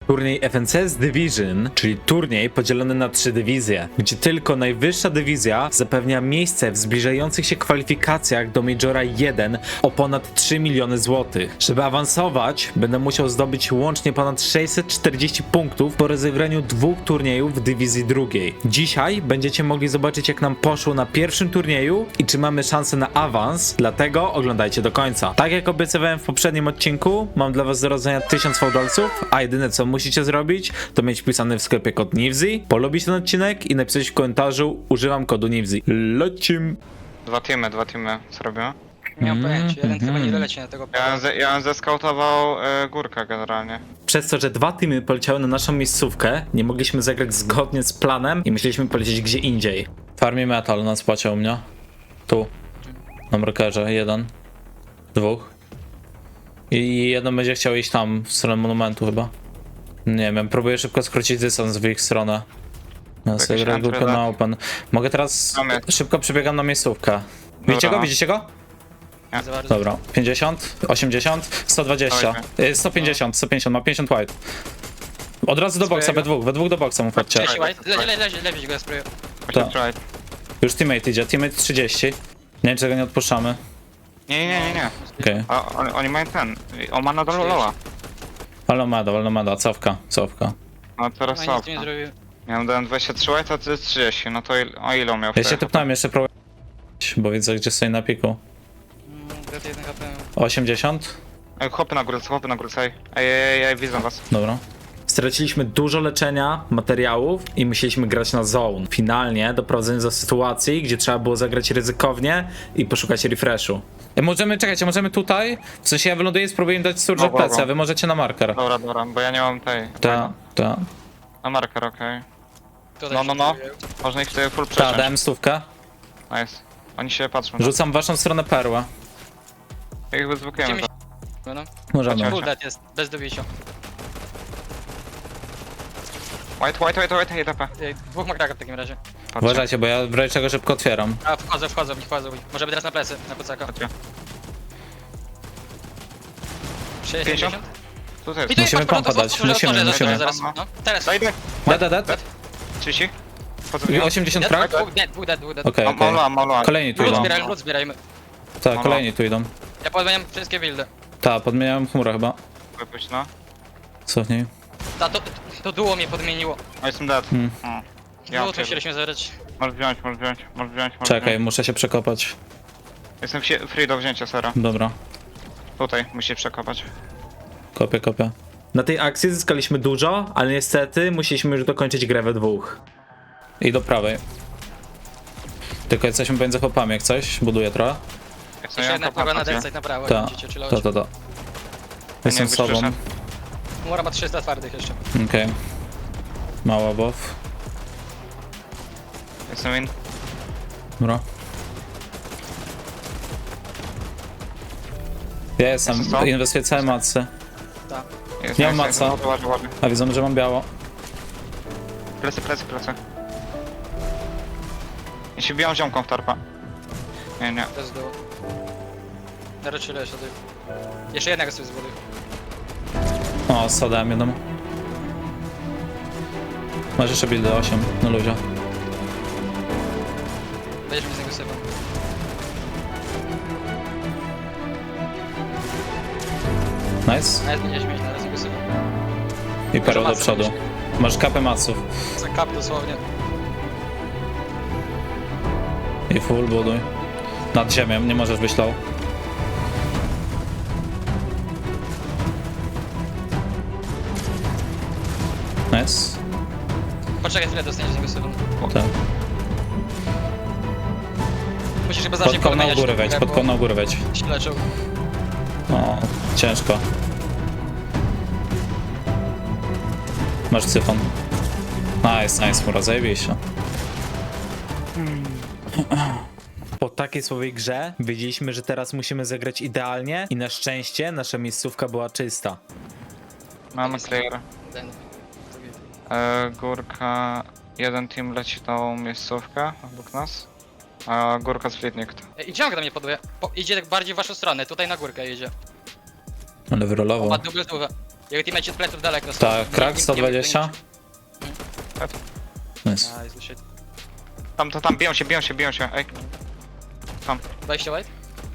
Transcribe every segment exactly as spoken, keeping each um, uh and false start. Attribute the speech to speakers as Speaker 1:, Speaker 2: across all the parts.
Speaker 1: Turniej F N C S Division, czyli turniej podzielony na trzy dywizje, gdzie tylko najwyższa dywizja zapewnia miejsce w zbliżających się kwalifikacjach do Majora jeden o ponad trzy miliony złotych. Żeby awansować, będę musiał zdobyć łącznie ponad sześćset czterdzieści punktów po rozegraniu dwóch turniejów w dywizji drugiej. Dzisiaj będziecie mogli zobaczyć, jak nam poszło na pierwszym turnieju i czy mamy szansę na awans, dlatego oglądajcie do końca. Tak jak obiecywałem w poprzednim odcinku, mam dla was do rozdania tysiąc fałdolców, a jedyne co musicie zrobić, to mieć wpisany w sklepie kod Nivzi, polubić ten odcinek i napisać w komentarzu: używam kodu Nivzi. Lecim!
Speaker 2: Dwa teamy, dwa teamy zrobię.
Speaker 3: Nie mam
Speaker 1: Mm,
Speaker 3: pojęcia, jeden
Speaker 1: mm.
Speaker 3: chyba nie doleci na tego
Speaker 2: Ja
Speaker 3: pola.
Speaker 2: bym, ze, ja bym zeskautował e, górkę generalnie.
Speaker 1: Przez to, że dwa teamy poleciały na naszą miejscówkę, nie mogliśmy zagrać zgodnie z planem i myśleliśmy polecieć gdzie indziej. Farmi metal na spocie u mnie. Tu. Na mrokerze. Jeden. Dwóch. I jeden będzie chciał iść tam, w stronę monumentu chyba. Nie wiem, próbuję szybko skrócić dystans w ich stronę. Ja
Speaker 2: Jakiś
Speaker 1: sobie grę grupę
Speaker 2: entry,
Speaker 1: na
Speaker 2: tak?
Speaker 1: open. Mogę teraz
Speaker 2: Tam jest.
Speaker 1: szybko przebiegam na miejscówkę. Widzicie
Speaker 2: Dobra.
Speaker 1: go? Widzicie go?
Speaker 3: Za bardzo.
Speaker 1: Dobra. pięćdziesiąt, osiemdziesiąt, sto dwadzieścia, y, sto pięćdziesiąt, sto pięćdziesiąt, ma pięćdziesiąt white. Od razu do boksa, we
Speaker 3: Swojego.
Speaker 1: dwóch, we dwóch do boksa mu chodźcie.
Speaker 3: Cześć, White. Le, le, le, lepiej go ja spróbuję.
Speaker 2: Chodźcie right.
Speaker 1: Już teammate idzie, teammate trzydzieści. Nie wiem, czego nie odpuszczamy.
Speaker 2: Nie, nie, nie, nie.
Speaker 1: Okej.
Speaker 2: A, oni, oni mają ten. O, ma nadal loła.
Speaker 1: Walnomada, walnomada, cofka, cofka.
Speaker 2: No teraz
Speaker 3: No nic mi nie
Speaker 2: co?
Speaker 3: zrobił.
Speaker 2: Miałem dałem dwadzieścia trzy white, a ty trzydzieści. No to il, o ile miał
Speaker 1: Ja
Speaker 2: wtedy?
Speaker 1: się typnąłem, jeszcze próbuję, bo widzę, gdzie stoi na piku.
Speaker 3: Mm, Grat jeden H P.
Speaker 1: osiemdziesiąt,
Speaker 2: Ej, chłopy na górce, chłopy na górce, ej. Ej, ej, ej, widzę was.
Speaker 1: dobra. Straciliśmy dużo leczenia, materiałów i musieliśmy grać na zone. Finalnie doprowadzenie do sytuacji, gdzie trzeba było zagrać ryzykownie i poszukać refreshu. E, Możemy, czekajcie, możemy tutaj, w sensie ja wyląduję i spróbuję im dać surge
Speaker 2: No,
Speaker 1: w plecy,
Speaker 2: dobra.
Speaker 1: a wy możecie na marker.
Speaker 2: Dobra, dobra, bo ja nie mam tej.
Speaker 1: Ta, ta,
Speaker 2: Na marker, okej.
Speaker 3: Tutaj
Speaker 2: No,
Speaker 3: się
Speaker 2: no, no.
Speaker 3: zrobił.
Speaker 2: Można ich tutaj full
Speaker 1: ta,
Speaker 2: przeciąć.
Speaker 1: dałem stówkę.
Speaker 2: Nice. Oni się patrzą. na-
Speaker 1: Rzucam w waszą stronę perłę.
Speaker 2: Ja ich wyzwykujemy.
Speaker 3: Musimy
Speaker 2: to.
Speaker 3: No,
Speaker 1: Możemy.
Speaker 2: Chodźmy.
Speaker 3: full dead jest, bez dobicia.
Speaker 2: White, white, white, white, white, white.
Speaker 3: Ej, Dwóch makraka w takim razie.
Speaker 2: Patrzcie.
Speaker 1: Uważajcie, bo ja w razie czego szybko otwieram.
Speaker 3: A, wchodzę, wchodzę, wchodzę. Może być teraz na plecy, na kucaka.
Speaker 2: Chodźcie.
Speaker 3: sześćdziesiąt?
Speaker 2: Tutaj jest.
Speaker 3: I tu
Speaker 1: Musimy
Speaker 3: patrz, patrz,
Speaker 1: pompa
Speaker 3: patrz,
Speaker 1: dać,
Speaker 3: patrz,
Speaker 1: musimy,
Speaker 3: patrz,
Speaker 1: musimy.
Speaker 3: zaraz, zaraz, no. Teraz.
Speaker 2: Zajdę.
Speaker 1: Dead, dead, dead.
Speaker 2: Dead. trzydzieści. Wchodzę w nią.
Speaker 1: osiemdziesiąt
Speaker 3: Dead,
Speaker 1: frag?
Speaker 3: dwóch dead, dwóch dead, dwóch dead.
Speaker 1: Okej,
Speaker 2: Mam
Speaker 1: okej.
Speaker 2: maloa, maloa.
Speaker 1: Kolejni tu
Speaker 3: Lud
Speaker 1: idą.
Speaker 3: zbierajmy, lud zbierajmy.
Speaker 1: Tak, kolejni tu idą.
Speaker 3: Ja podmieniam wszystkie buildy.
Speaker 1: Tak, podmieniałem chmurę chyba.
Speaker 2: Wypuść, no.
Speaker 1: Cofnij.
Speaker 3: Ta, to, to duo mnie podmieniło.
Speaker 2: O, jestem dead.
Speaker 1: Hmm.
Speaker 2: O. Ja
Speaker 3: Duo
Speaker 2: mam
Speaker 3: to
Speaker 2: pierdol.
Speaker 3: chcieliśmy zabrać.
Speaker 2: Możesz wziąć, możesz wziąć, możesz wziąć, możesz
Speaker 1: Czekaj,
Speaker 2: wziąć.
Speaker 1: muszę się przekopać.
Speaker 2: Jestem wsi- free do wzięcia, sera.
Speaker 1: Dobra,
Speaker 2: Tutaj, musisz przekopać.
Speaker 1: kopię, kopię. Na tej akcji zyskaliśmy dużo, ale niestety musieliśmy już dokończyć grę we dwóch. I do prawej. Tylko jesteśmy pomiędzy chłopami, jak coś. Buduję trochę.
Speaker 2: Jak
Speaker 3: Jeszcze jedna poga na dead side na prawo, jak
Speaker 1: Ta,
Speaker 3: będziecie
Speaker 1: to,
Speaker 3: chillować.
Speaker 1: to, to. Jestem
Speaker 2: jakbyś
Speaker 1: z sobą.
Speaker 2: przyszedł.
Speaker 3: Mura ma trzysta twardych jeszcze.
Speaker 1: Okej. Mała bow.
Speaker 2: Jestem in.
Speaker 1: Dobra. Ja jestem,
Speaker 2: Jest co?
Speaker 1: inwestuję całe macy.
Speaker 3: Tak.
Speaker 2: Jest,
Speaker 1: Nie mam
Speaker 2: jest,
Speaker 1: maca.
Speaker 2: jest. Ładnie, ładnie.
Speaker 1: A widzą, że mam biało.
Speaker 2: Plecy, plecy, plecy. Ja się bijam ziomką w tarpa. Nie, nie.
Speaker 3: To jest duo. Teraz chilluję się tutaj. Jeszcze jednego sobie zbuduję.
Speaker 1: O, sadałem jedną. Masz jeszcze build osiem na luzie.
Speaker 3: Będziesz mi z niego sypał.
Speaker 1: Nice.
Speaker 3: A ja będziesz mieć na razie go sypał.
Speaker 1: I perł do
Speaker 3: macy
Speaker 1: przodu.
Speaker 3: będziesz
Speaker 1: Masz kapę maców.
Speaker 3: Za kap dosłownie.
Speaker 1: I full buduj. Nad ziemią, nie możesz być low. Nice.
Speaker 3: Poczekaj chwilę, dostaniesz z niego sypał.
Speaker 1: Tak.
Speaker 3: Musisz chyba
Speaker 1: Pod
Speaker 3: zacząć
Speaker 1: kołną
Speaker 3: podmieniać
Speaker 1: górę
Speaker 3: tą
Speaker 1: wejdź,
Speaker 3: grę,
Speaker 1: pod
Speaker 3: bo
Speaker 1: kołną górę wejdź.
Speaker 3: się leczą.
Speaker 1: O, ciężko. Masz cyfon. Nice, nice, mura, zajebiście. Po takiej słowej grze wiedzieliśmy, że teraz musimy zagrać idealnie i na szczęście nasza miejscówka była czysta.
Speaker 2: Mamy clear.
Speaker 3: Ten.
Speaker 2: E, górka. Jeden team leci tą miejscówkę obok nas. A górka split nikt.
Speaker 3: Ej, Idzie on do mnie poduje. Po, idzie tak bardziej w waszą stronę, tutaj na górkę jedzie.
Speaker 1: Ale wyrolował.
Speaker 3: Ma double duwę. Jego teammate od pleców daleko. są.
Speaker 1: Tak,
Speaker 3: Nie-
Speaker 1: krak
Speaker 3: nie-
Speaker 1: sto
Speaker 3: nie-
Speaker 1: dwadzieścia.
Speaker 3: nie-
Speaker 1: Nice.
Speaker 3: Nice, shit.
Speaker 2: Tam, to tam, biją się, biją się, biją się, ej.
Speaker 3: dwadzieścia white.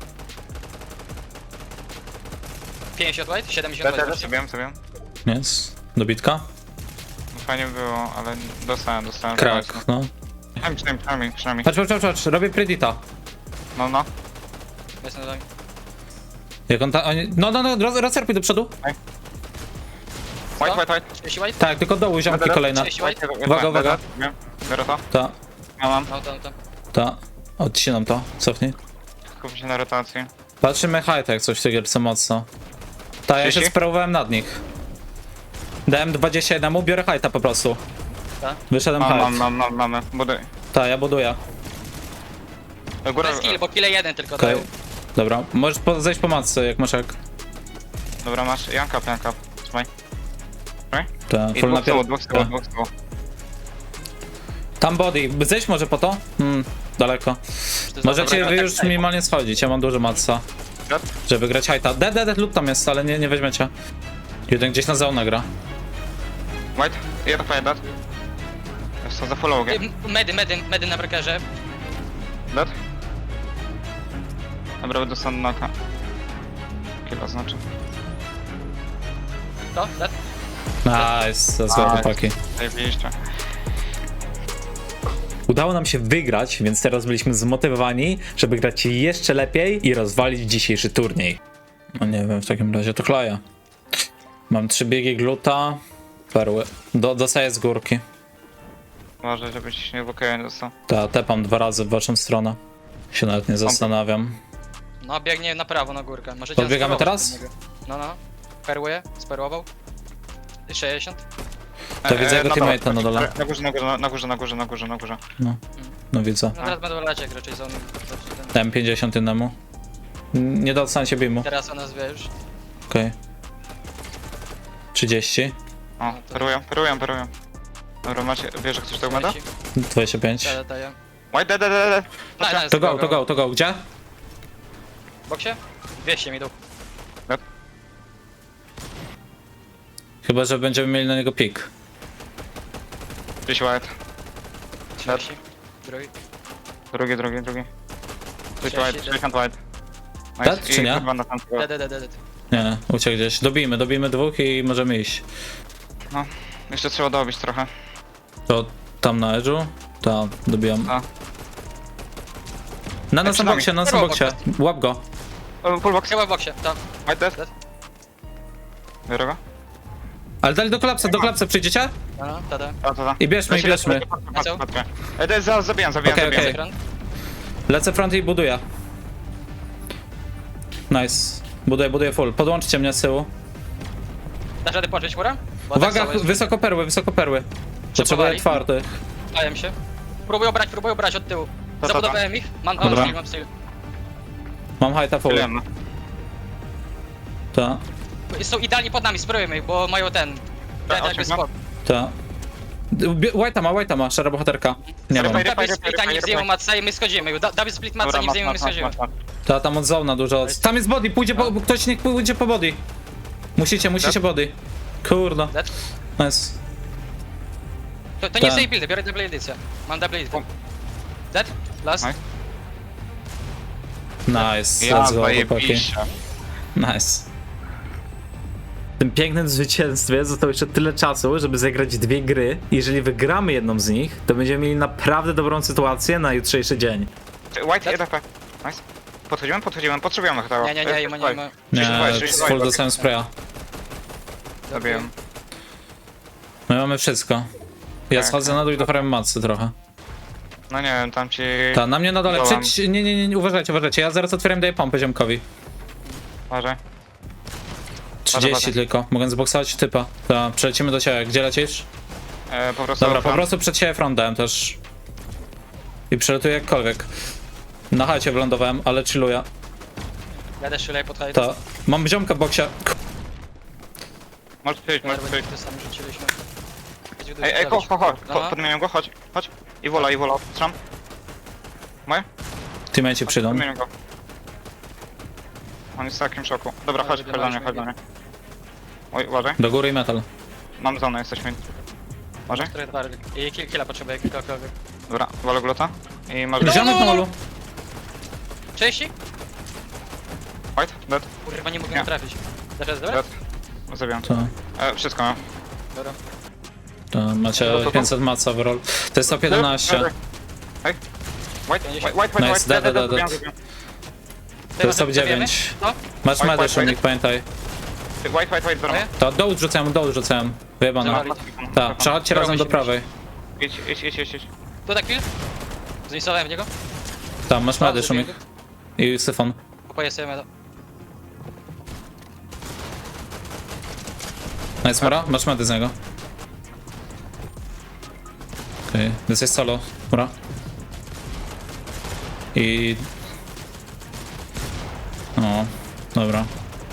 Speaker 3: pięćdziesiąt white, siedemdziesiąt
Speaker 2: Dead,
Speaker 3: white.
Speaker 2: dead, zabiłem, zabiłem.
Speaker 1: Jest. Dobitka?
Speaker 2: No fajnie było, ale dostałem, dostałem.
Speaker 1: Krak, no.
Speaker 2: Przynajmniej, przynajmniej, przynajmniej, przynajmniej.
Speaker 1: Patrz, patrz, patrz, patrz, robię predita.
Speaker 2: No, no.
Speaker 3: Jest na dole.
Speaker 1: Jak on ta... Oni... No, no, no, roz- rozerpuj do przodu.
Speaker 2: White, white, white.
Speaker 3: trzydzieści white?
Speaker 1: Tak, tylko dołu ziomki
Speaker 2: Dobra,
Speaker 1: kolejne.
Speaker 3: trzydzieści white?
Speaker 1: Uwaga, uwaga.
Speaker 2: Wiem, biorę to.
Speaker 1: Ta,
Speaker 2: Ja mam.
Speaker 3: No tam, tam.
Speaker 1: ta. Odcinam to, cofnij.
Speaker 2: Skupię się na rotacji.
Speaker 1: Patrzymy high jak coś w tej gierce mocno. Ta, ja się
Speaker 2: trzydzieści?
Speaker 1: sprawowałem nad nich. Dałem dwadzieścia jeden, biorę high po prostu.
Speaker 3: Tak?
Speaker 1: Wyszedłem
Speaker 2: Mam, mam,
Speaker 1: high.
Speaker 2: mam, mam, mamy. Buduj.
Speaker 1: Ta, ja buduję.
Speaker 2: Góra,
Speaker 3: Bez kill, bo kill jeden tylko
Speaker 1: Okej.
Speaker 3: dają.
Speaker 1: Dobra, możesz po- zejść po matce, jak masz jak.
Speaker 2: dobra, masz. Janka, janka. Trzymaj.
Speaker 1: Ta,
Speaker 2: I
Speaker 1: full
Speaker 2: dwóch z tyłu,
Speaker 1: napier...
Speaker 2: dwóch z tyłu,
Speaker 1: Ta.
Speaker 2: dwóch z tyłu.
Speaker 1: Tam body, zejść może po to? Hmm, daleko.
Speaker 3: Czy to jest
Speaker 1: Możecie
Speaker 3: dobra,
Speaker 1: wy
Speaker 3: tak,
Speaker 1: już
Speaker 3: tak.
Speaker 1: minimalnie schodzić, ja mam dużo matca.
Speaker 2: Dead?
Speaker 1: Żeby grać high-ta. Dead, dead, dead, lub tam jest, ale nie, nie weźmiecie. Jeden gdzieś na zone gra.
Speaker 2: White. Jeden fire, dead. Jest to za full ogień.
Speaker 3: Y, Medy, medy, medy na breakerze.
Speaker 2: Dead? Dobra, będę dostanę noka. Killa znaczy.
Speaker 3: To, dead.
Speaker 1: Nice, za złe
Speaker 2: Nice.
Speaker 1: chłopaki.
Speaker 2: Zajebiście.
Speaker 1: Udało nam się wygrać, więc teraz byliśmy zmotywowani, żeby grać jeszcze lepiej i rozwalić dzisiejszy turniej. No nie wiem, w takim razie to kleja. Mam trzy biegi gluta, perły. Do, dostaję z górki.
Speaker 2: Może, żebyś nie w okeju nie dostał.
Speaker 1: Ta, tepam dwa razy w waszą stronę. Się nawet nie zastanawiam.
Speaker 3: No, biegnie na prawo, na górkę. Możecie
Speaker 1: Podbiegamy
Speaker 3: nas
Speaker 1: teraz?
Speaker 3: spróbować od niego. No, no. Perłuje, sperłował. sześćdziesiąt.
Speaker 1: To widzę jego
Speaker 2: na dole.
Speaker 1: teammate'a na dole.
Speaker 2: Na górze, na górze, na górze, na górze, na górze, na górze.
Speaker 1: No, no widzę.
Speaker 3: No teraz będą lecieć raczej za mną.
Speaker 1: Dałem pięćdziesiąt innemu. Nie dostanę się beamu.
Speaker 3: Teraz ona zwie już.
Speaker 1: Okej. trzydzieści.
Speaker 2: O, perują, perują, perują. Dobra, macie, wiesz, że ktoś tak będa?
Speaker 1: dwadzieścia pięć.
Speaker 3: Daję, daję.
Speaker 2: White, dead, dead, dead, dead.
Speaker 3: Nice, nice,
Speaker 1: To go, to go, to go. Gdzie?
Speaker 3: W boksie? dwieście mi dół.
Speaker 1: Chyba, że będziemy mieli na niego pik.
Speaker 2: Gdzieś white.
Speaker 3: trzydzieści. Drugi.
Speaker 2: Drugi, drugi, drugi. Gdzieś
Speaker 3: Sześć,
Speaker 2: white,
Speaker 3: dead.
Speaker 2: sześćdziesiąt white.
Speaker 1: Dead, czy nie?
Speaker 2: kurwa na tamtego.
Speaker 3: Dead, dead, dead, dead.
Speaker 1: Nie, uciekł gdzieś. Dobijmy, dobijmy dwóch i możemy iść.
Speaker 2: No, jeszcze trzeba dobić trochę.
Speaker 1: To tam na edge'u? Ta, dobijam.
Speaker 2: A.
Speaker 1: Na
Speaker 2: Ej,
Speaker 1: naszym
Speaker 2: przed nami.
Speaker 1: boksie, na naszym boksie. Łap go.
Speaker 2: O, Pullbox,
Speaker 3: Chyba w boksie, tam.
Speaker 2: white dead.
Speaker 3: Dead.
Speaker 2: Biorę go?
Speaker 1: Ale dali do kolapsa, do kolapsa przyjdziecie?
Speaker 3: No, no, tada.
Speaker 2: A, to, to.
Speaker 1: I bierzmy, i
Speaker 2: Leci, leci,
Speaker 1: bierzmy.
Speaker 2: leci, patrzę, patrzę, patrzę. Ej, to jest, zaraz zabijam, zabijam,
Speaker 1: Okej,
Speaker 2: zabijam.
Speaker 1: okej.
Speaker 3: Ekran.
Speaker 1: Lecę front i buduję. Nice. Buduję, buduję full. Podłączcie mnie z tyłu.
Speaker 3: Dasz radę poczuć mura? Bo
Speaker 1: Uwaga,
Speaker 3: tak samo jest.
Speaker 1: wysoko perły, wysoko perły. Potrzebuję
Speaker 3: Przepływali.
Speaker 1: twardych.
Speaker 3: Daję się. Próbują brać, próbują brać od tyłu.
Speaker 2: to, to.
Speaker 3: Zabudowałem ich. Mam,
Speaker 1: Dobra.
Speaker 3: mam styl, mam styl.
Speaker 1: Mam high full.
Speaker 2: Chwilę, no.
Speaker 1: Ta,
Speaker 3: Są idealnie pod nami, sprayujemy ich, bo mają ten... Ten
Speaker 2: o
Speaker 3: jakby
Speaker 2: czym
Speaker 3: spot.
Speaker 1: ta. White'a ma, White'a ma, szara bohaterka. Nie
Speaker 2: Zero
Speaker 1: mam.
Speaker 2: fire.
Speaker 3: Double split, a nie zdejmą matca i my schodzimy. Da- Double split matca, nie
Speaker 2: masz,
Speaker 3: zdejmą, my
Speaker 2: masz, masz,
Speaker 3: schodzimy.
Speaker 2: masz, masz.
Speaker 1: Ta, tam od zona dużo. Tam jest body, pójdzie po, ktoś niech pójdzie po body. Musicie, musicie body. Kurde.
Speaker 3: Dead?
Speaker 1: Nice.
Speaker 3: To, to
Speaker 1: Tak.
Speaker 3: nie jest tej buildy, biorę double edycję. Mam double edycję. Dead? Last?
Speaker 2: Nice.
Speaker 1: Nice,
Speaker 2: Ja
Speaker 1: let's go, chłopaki.
Speaker 2: zajebiście.
Speaker 1: Nice. W tym pięknym zwycięstwie zostało jeszcze tyle czasu, żeby zagrać dwie gry. Jeżeli wygramy jedną z nich, to będziemy mieli naprawdę dobrą sytuację na jutrzejszy dzień.
Speaker 2: White, jeden fire. Nice. Podchodzimy, podchodzimy, potrzebujemy tego.
Speaker 3: Nie, nie, nie, nie ma, nie ma.
Speaker 1: Nie, full dostałem spraya.
Speaker 2: Zabiłem.
Speaker 1: My mamy wszystko. Ja
Speaker 2: Tak.
Speaker 1: schodzę na dół i do farmy macy trochę.
Speaker 2: No nie wiem, tam ci...
Speaker 1: Ta, na mnie na dole.
Speaker 2: Dołam.
Speaker 1: Przyjdź, nie, nie, nie, nie, uważajcie, uważajcie. Ja zaraz otwieram, daję pompę ziomkowi.
Speaker 2: Uważaj.
Speaker 1: trzydzieści
Speaker 2: Patrzę,
Speaker 1: tylko. Mogę zboksować typa. Ta, przelecimy do ciebie. Gdzie lecisz?
Speaker 2: E, po prostu...
Speaker 1: Dobra, po
Speaker 2: front.
Speaker 1: prostu przed siebie front dałem też. I przelatuję jakkolwiek. Na chacie wylądowałem, ale chilluję.
Speaker 3: Jadę szylej pod high.
Speaker 1: Ta. Mam ziomka w boksie.
Speaker 2: Możesz przyjść, możesz przyjść.
Speaker 3: To sami rzuciliśmy.
Speaker 2: Ej, ej, chodź, chodź, chodź.
Speaker 3: Aha.
Speaker 2: Podmieniam go, chodź, chodź. I wola, i wola. Trzam. Moje?
Speaker 1: Teammate'ci przyjdą.
Speaker 2: Podmieniam go. On jest w takim szoku. Dobra, chodź, chodź do mnie, chodź do mnie. Oj, uważaj.
Speaker 1: Do góry i metal.
Speaker 2: Mam zonę, jesteśmy. Uważaj.
Speaker 3: Trochę bardziej. I kill, killa potrzebuję, kilkakolwiek.
Speaker 2: Dobra, walę glota. I masz...
Speaker 1: Ziomek na molu.
Speaker 3: Cześci?
Speaker 2: White, dead,
Speaker 3: Kurwa, nie mogę
Speaker 2: Nie.
Speaker 3: trafić. Teraz dobra?
Speaker 2: dead. Zabijam.
Speaker 1: To,
Speaker 2: E, wszystko mam.
Speaker 3: Dobra.
Speaker 1: to macie
Speaker 2: No to-
Speaker 1: pięćset maca overall. To jest top jedenaście.
Speaker 2: Hej. White, white, white, white,
Speaker 1: Nice,
Speaker 2: white,
Speaker 1: dead,
Speaker 2: dead,
Speaker 1: dead,
Speaker 2: dead,
Speaker 1: dead.
Speaker 2: zabijam,
Speaker 1: To jest top
Speaker 3: Zabijemy?
Speaker 1: dziewięć.
Speaker 3: No.
Speaker 1: Masz
Speaker 2: White,
Speaker 1: medy,
Speaker 2: white,
Speaker 1: Szumik,
Speaker 2: white.
Speaker 1: pamiętaj.
Speaker 2: zabijam. White, white, white, zero.
Speaker 3: Moje?
Speaker 1: To dołu rzucałem, dołu rzucałem. Wyjebane.
Speaker 3: Zawali.
Speaker 1: Tak, przechodźcie razem do prawej.
Speaker 2: Idź, idź, idź, idź, idź.
Speaker 3: Tu tak kill? Zinsowałem w niego?
Speaker 1: Tam, masz medy,
Speaker 3: Dobrze,
Speaker 1: Szumik. I syfon.
Speaker 3: Kupuję sobie meda.
Speaker 1: Nice, Mura? Masz medy z niego. Okej, okay. This jest solo, Mura. I... O, dobra.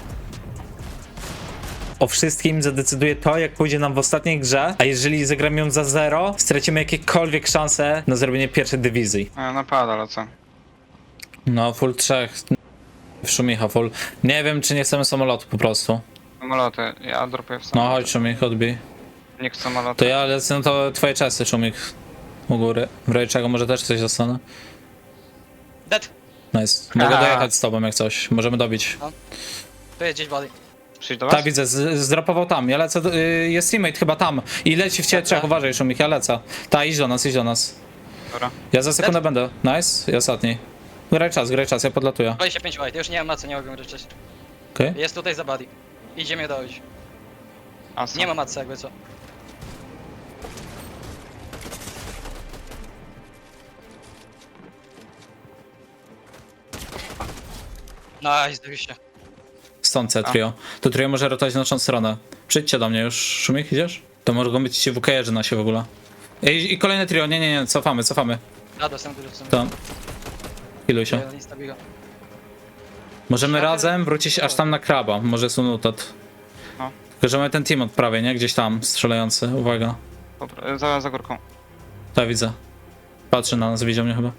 Speaker 1: O wszystkim zadecyduje to, jak pójdzie nam w ostatniej grze, a jeżeli zagramy ją za zero, stracimy jakiekolwiek szanse na zrobienie pierwszej dywizji.
Speaker 2: E, napada, lecę.
Speaker 1: No, full trzech. W Szumicha full. Nie wiem, czy nie chcemy samolotu po prostu.
Speaker 2: Samoloty, ja dropuję w
Speaker 1: No
Speaker 2: samolot.
Speaker 1: chodź, Szumik, odbij.
Speaker 2: Nie chcę samoloty.
Speaker 1: To ja lecę, no to twoje czasy, Szumik. U góry. W razie czego może też coś dostanę.
Speaker 3: Dead!
Speaker 1: Nice. Mogę
Speaker 2: Aha.
Speaker 1: dojechać z tobą jak coś. Możemy dobić.
Speaker 3: Tu jest gdzieś body.
Speaker 2: Przyjdź do was?
Speaker 1: Tak, widzę, z- zdropował tam. Ja lecę, do- y, jest teammate chyba tam. I leci w ciebie
Speaker 3: Dobra.
Speaker 1: trzech, uważaj, Szumik, ja lecę. Ta, idź do nas, idź do nas.
Speaker 2: Dobra.
Speaker 1: Ja za sekundę będę. Nice, i ostatni. Graj czas, graj czas, ja podlatuję.
Speaker 3: dwadzieścia pięć white, już nie mam na co, nie mogę ryczeć.
Speaker 1: Okej?
Speaker 3: Jest tutaj za body. Idzie mnie dojść.
Speaker 2: Asa.
Speaker 3: Nie ma matce jakby co. Nice, dobiście.
Speaker 1: Stąd C trio. To trio może rotować w naszą stronę. Przyjdźcie do mnie już. Szumik, idziesz? To mogą być ci W K R-zy nasi w ogóle. I, I kolejne trio, nie, nie, nie, cofamy, cofamy.
Speaker 3: A, dostałem dużo w sumie.
Speaker 1: Tam. Iluj się.
Speaker 3: Ja lista biga.
Speaker 1: Możemy
Speaker 3: Ja-
Speaker 1: razem wrócić aż tam na kraba. Może jest unutat.
Speaker 2: No.
Speaker 1: Tylko, że mamy ten team od prawej, nie? Gdzieś tam strzelający. Uwaga.
Speaker 2: Dobra, za, za górką.
Speaker 1: Tak, widzę. Patrzy na nas, widział mnie chyba.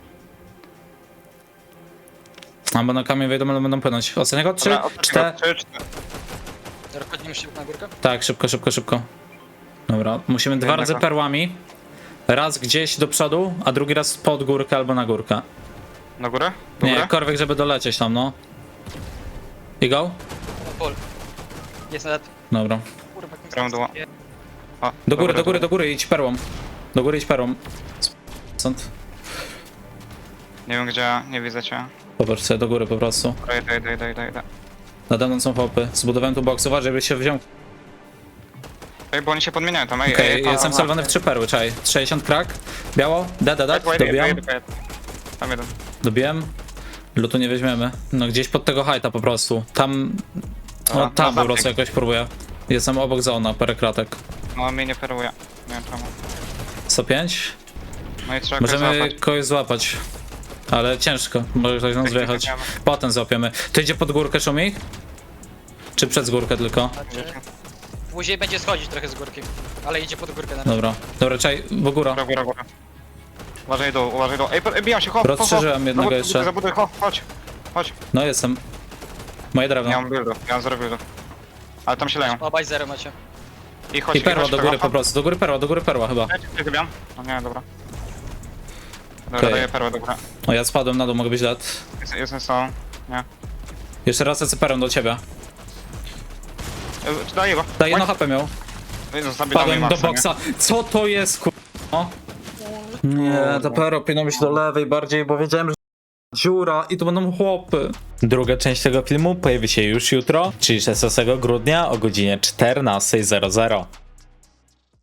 Speaker 1: A, bo na kamień wejdą, ale będą płynąć. Ostatniego? Trzy,
Speaker 2: Dobra, ostatniego.
Speaker 1: cztery.
Speaker 2: Trzy, cztery.
Speaker 3: Teraz chodzimy szybko na górkę.
Speaker 1: Tak, szybko, szybko, szybko. Dobra, musimy dwa razy
Speaker 2: Jednego.
Speaker 1: perłami. Raz gdzieś do przodu, a drugi raz pod górkę albo na górkę.
Speaker 2: Na górę? Do
Speaker 1: Nie,
Speaker 2: górę?
Speaker 1: korwek, żeby dolecieć tam, no. I go?
Speaker 3: Full. Jest nawet.
Speaker 1: Dobra.
Speaker 3: Kurwa,
Speaker 2: Gram dół. O,
Speaker 1: Do góry,
Speaker 2: dobra,
Speaker 1: do góry,
Speaker 2: dobra.
Speaker 1: do góry, idź perłą. Do góry idź perłą. Stąd.
Speaker 2: Nie wiem gdzie, nie widzę cię.
Speaker 1: Popatrz sobie do góry po prostu.
Speaker 2: Dobra, idę, idę, idę, idę, idę.
Speaker 1: Nade mną są hopy. Zbudowałem tu box, uważaj, żeby się wziął.
Speaker 2: Ej, bo oni się podmieniają tam, ej,
Speaker 1: Okej,
Speaker 2: ej, pa,
Speaker 1: jestem
Speaker 2: pa.
Speaker 1: celowany w trzy perły, czaj. sześćdziesiąt krak. Biało, da, da, da,
Speaker 2: White, white,
Speaker 1: dobijam.
Speaker 2: white, white. Tam jeden.
Speaker 1: Dobiłem. Lutu nie weźmiemy. No gdzieś pod tego hajta po prostu. Tam.
Speaker 2: Dobra,
Speaker 1: No tam
Speaker 2: no,
Speaker 1: po prostu
Speaker 2: zamknij.
Speaker 1: jakoś próbuję. Jestem obok zona, parę kratek.
Speaker 2: No mnie nie peruje. Nie wiem czemu.
Speaker 1: sto pięć.
Speaker 2: No i trzeba kogoś
Speaker 1: Możemy
Speaker 2: złapać.
Speaker 1: kogoś złapać. Ale ciężko, może ktoś nas
Speaker 2: Tak,
Speaker 1: wjechać.
Speaker 2: tak,
Speaker 1: Potem złapiemy. To idzie pod górkę, Szumik? Czy przed górkę tylko?
Speaker 3: Znaczy, później będzie schodzić trochę z górki. Ale idzie pod górkę na razie.
Speaker 1: Dobra. Dobra, czaj, bo góra.
Speaker 2: Góra, góra, góra. Uważaj dół, uważaj dół. Ej, ej bijam się, hop, hop, hop.
Speaker 1: Rozszerzyłem jednego
Speaker 2: Zabuduj,
Speaker 1: jeszcze.
Speaker 2: Zabuduj, chodź, chodź. Chodź.
Speaker 1: No jestem. Moje
Speaker 2: Nie
Speaker 1: drewno.
Speaker 2: mam buildów, ja mam zero buildów. Ale tam się leją.
Speaker 3: Obaj zero macie.
Speaker 2: I chodź,
Speaker 1: I perła
Speaker 2: chodź,
Speaker 1: do góry
Speaker 2: perła,
Speaker 1: po prostu. Do góry perła, do góry perła chyba.
Speaker 2: Leć, leć, zabijam. No nie, dobra. Dobra,
Speaker 1: Okej.
Speaker 2: daję perłę do góry.
Speaker 1: O, ja spadłem na dół, mogę być lat.
Speaker 2: Jest, jestem z tobą. Nie.
Speaker 1: Jeszcze raz lecę perą do ciebie.
Speaker 2: E, czy Daję go.
Speaker 1: Daj, jedno
Speaker 2: White.
Speaker 1: H P miał.
Speaker 2: Jezus, zabijam
Speaker 1: Padłem
Speaker 2: mi
Speaker 1: do
Speaker 2: Maxa, nie?
Speaker 1: boksa. Co to jest, ku... O. Nie, ta pero powinno być do lewej bardziej, bo wiedziałem, że dziura i tu będą chłopy. Druga część tego filmu pojawi się już jutro, czyli szesnastego grudnia o godzinie czternastej zero zero.